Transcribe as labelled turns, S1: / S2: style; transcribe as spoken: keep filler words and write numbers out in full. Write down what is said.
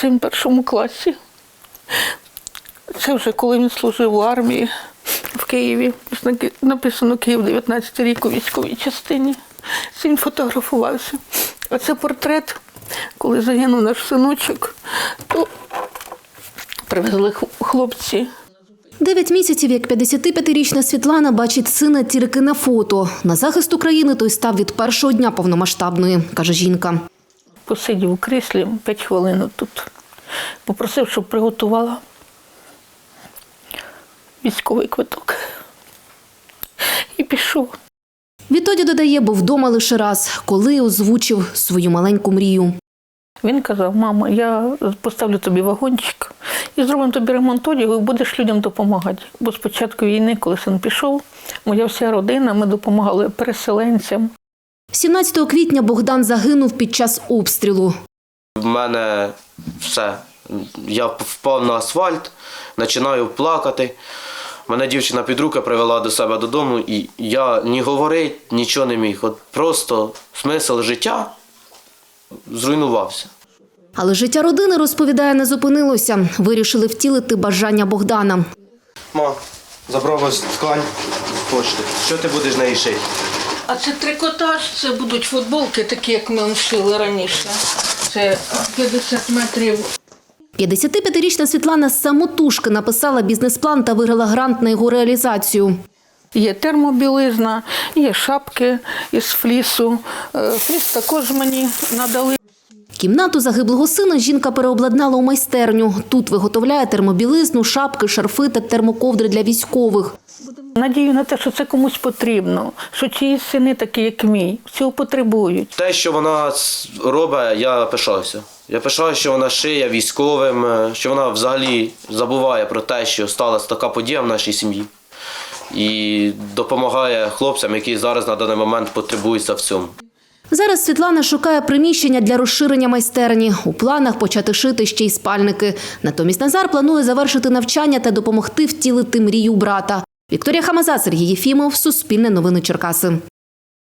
S1: син в першому класі. Це вже коли він служив у армії в Києві. Написано «Київ, дев'ятнадцятий рік» у військовій частині. Син фотографувався. А це портрет, коли загинув наш синочок, то привезли хлопці.
S2: Дев'ять місяців, як п'ятдесятип'ятирічна Світлана бачить сина тільки на фото. На захист України той став від першого дня повномасштабної, каже жінка.
S1: Посидів у кріслі п'ять хвилин тут. Попросив, щоб приготувала військовий квиток. І пішов.
S2: Відтоді, додає, був вдома лише раз, коли озвучив свою маленьку мрію.
S1: Він казав: мама, я поставлю тобі вагончик і зробимо тобі ремонт одягу, і будеш людям допомагати. Бо з початку війни, коли син пішов, моя вся родина, ми допомагали переселенцям.
S2: сімнадцятого квітня Богдан загинув під час обстрілу.
S3: В мене все. Я впав на асфальт, починаю плакати. Мене дівчина під руки привела до себе додому, і я ні говорити, нічого не міг. От просто смисл життя зруйнувався.
S2: Але життя родини, розповідає, не зупинилося. Вирішили втілити бажання Богдана.
S3: Ма, забрав ось ткань з почти. Що ти будеш з неї шити?
S1: А це трикотаж, це будуть футболки, такі, як ми шили раніше. Це п'ятдесят метрів.
S2: п'ятдесятип'ятирічна Світлана з самотужки написала бізнес-план та виграла грант на його реалізацію.
S1: Є термобілизна, є шапки із флісу. Фліс також мені надали.
S2: Кімнату загиблого сина жінка переобладнала у майстерню. Тут виготовляє термобілизну, шапки, шарфи та термоковдри для військових.
S1: Надію на те, що це комусь потрібно, що чиїсь сини такі, як мій, цього потребують.
S3: Те, що вона робить, я пишаюся. Я пишаюся, що вона шиє військовим, що вона взагалі забуває про те, що сталася така подія в нашій сім'ї. І допомагає хлопцям, які зараз на даний момент потребуються в цьому.
S2: Зараз Світлана шукає приміщення для розширення майстерні. У планах почати шити ще й спальники. Натомість Назар планує завершити навчання та допомогти втілити мрію брата. Вікторія Хамаза, Сергій Єфімов, Суспільне новини Черкаси.